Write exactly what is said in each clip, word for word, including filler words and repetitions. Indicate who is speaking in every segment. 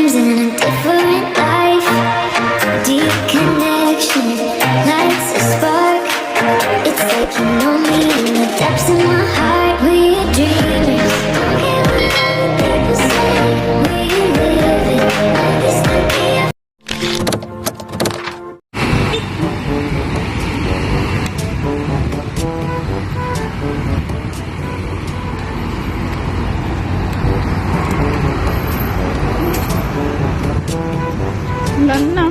Speaker 1: times in a different life. Deep connection lights a spark. It's like you know me in the depths of my heart. We're dreamers. Don't care what other people say. We're living like this could be a
Speaker 2: Ulan na.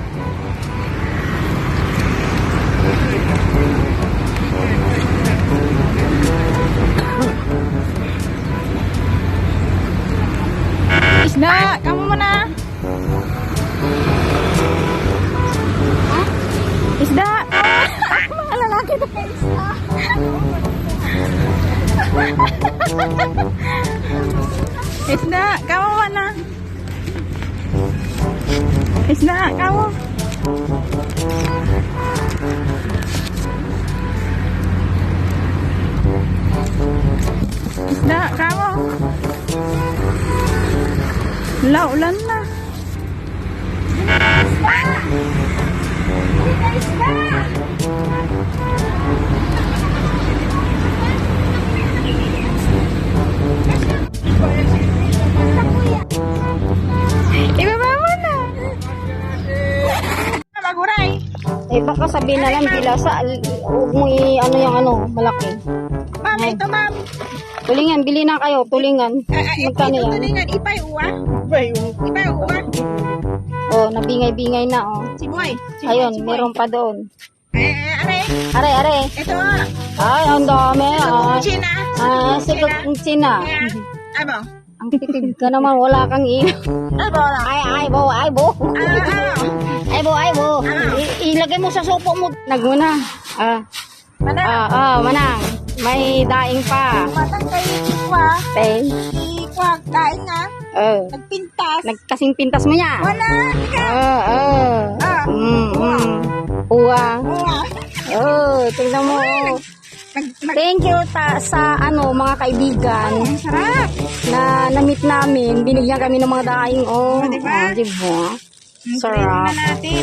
Speaker 2: Isda, kamu mana? Hah? Isda, kamu mga lalaki na kay isda. Isda, kamu mana? Isda, kamu. Isda, kamu. Wala, ulan na. Ibaba mo na. Maguray.
Speaker 3: Eh baka sabihin na lang bilasa, huwag mo i ano yung ano, malaki.
Speaker 2: Ma'am, ito ma'am.
Speaker 3: Tulingan, bili na kayo, tulingan. Magkano
Speaker 2: Ito
Speaker 3: yan?
Speaker 2: tulingan, ipay uwa. Ipay uwa.
Speaker 3: Oh, nabingay-bingay na oh.
Speaker 2: Si Boy. Si
Speaker 3: Ayun,
Speaker 2: Boy, si Boy.
Speaker 3: meron pa doon.
Speaker 2: Eh, eh, are.
Speaker 3: Are, are.
Speaker 2: Ito.
Speaker 3: Ay, ang dami. Ah,
Speaker 2: China.
Speaker 3: ah sikot ng China.
Speaker 2: Ayan. Abo.
Speaker 3: Ang titig ka naman, wala kang ino.
Speaker 2: Abo na.
Speaker 3: Ay, ay, bo, ay, bo.
Speaker 2: Ah, ano?
Speaker 3: Ay, bo, ay, bo.
Speaker 2: Ano?
Speaker 3: I- ilagay mo sa sopo mo. Nagmuna. Ah,
Speaker 2: Manang.
Speaker 3: ah, ah, manang. May daing pa.
Speaker 2: Matang kay Ikwa.
Speaker 3: Tay.
Speaker 2: Ikwa, kain na.
Speaker 3: Oh.
Speaker 2: Nagpintas.
Speaker 3: Nagkasing pintas mo niya.
Speaker 2: Wala. Tika.
Speaker 3: Oo, oo.
Speaker 2: Ah.
Speaker 3: Mm, mm. Uwa.
Speaker 2: Uwa.
Speaker 3: Oh, tingnan mo. oh.
Speaker 2: Nag, nag,
Speaker 3: Thank you ta sa ano mga kaibigan
Speaker 2: ang sarap.
Speaker 3: na na-meet namin. Binigyan kami ng mga daing. Oh,
Speaker 2: Oh, diba?
Speaker 3: oh, diba?
Speaker 2: Ang
Speaker 3: Sarap.
Speaker 2: na natin.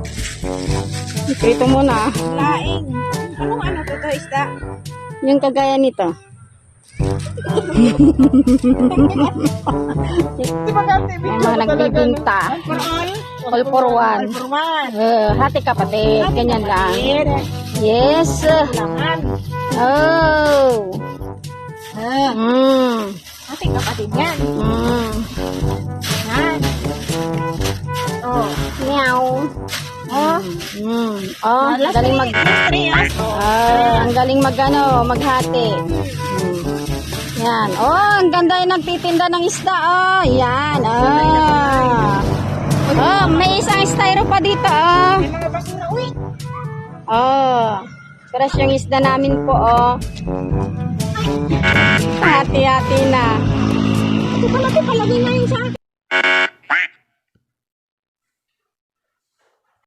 Speaker 3: Ito muna.
Speaker 2: Laing. Anong ano to to isda?
Speaker 3: Yung kagaya nito.
Speaker 2: Di ba gante?
Speaker 3: May mga nagbibinta.
Speaker 2: For all?
Speaker 3: All for one.
Speaker 2: All for one.
Speaker 3: Uh, hati kapatid. Ganyan lang. Yes.
Speaker 2: Laman.
Speaker 3: Oh.
Speaker 2: Ah,
Speaker 3: Mm.
Speaker 2: ating kapatid yan.
Speaker 3: Mm.
Speaker 2: Yan. Oh.
Speaker 3: Meow.
Speaker 2: Oh.
Speaker 3: Mm. Oh,
Speaker 2: Last
Speaker 3: galing mag
Speaker 2: three years. Oh.
Speaker 3: Ah, ang galing mag ano, maghati. Mm. Yan. Oh, ang ganda yung nagtitinda ng isda. Oh, yan. Ah. Oh, may isang styro pa dito. Oh.
Speaker 2: May mga basura. Uy.
Speaker 3: Oh. Fresh yung isda namin po, oh. Hati-hati na.
Speaker 2: Ito pala ito palagay na yun sa akin.